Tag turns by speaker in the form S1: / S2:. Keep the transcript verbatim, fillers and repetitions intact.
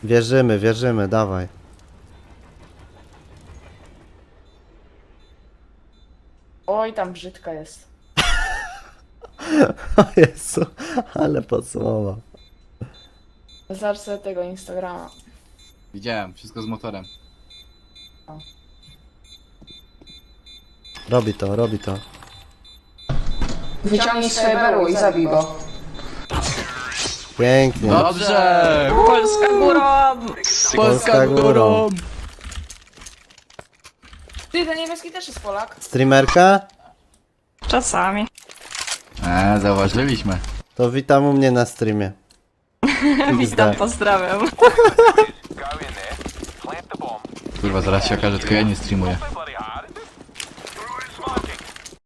S1: Wierzymy, wierzymy, dawaj.
S2: Oj, tam brzydka jest.
S1: O Jezu, ale podsumował.
S2: Zobacz sobie tego Instagrama.
S3: Widziałem, wszystko z motorem.
S1: Robi to, robi to.
S2: Wyciągnij swoje berło i zabij go.
S1: Pięknie.
S3: Dobrze!
S4: Polska górą!
S3: Polska górą!
S2: Ty, ten niebieski też jest Polak.
S1: Streamerka?
S4: Czasami.
S3: Eee, zauważyliśmy.
S1: To witam u mnie na streamie.
S4: Witam, pozdrawiam.
S3: Kurwa, zaraz się okaże, tylko ja nie streamuję.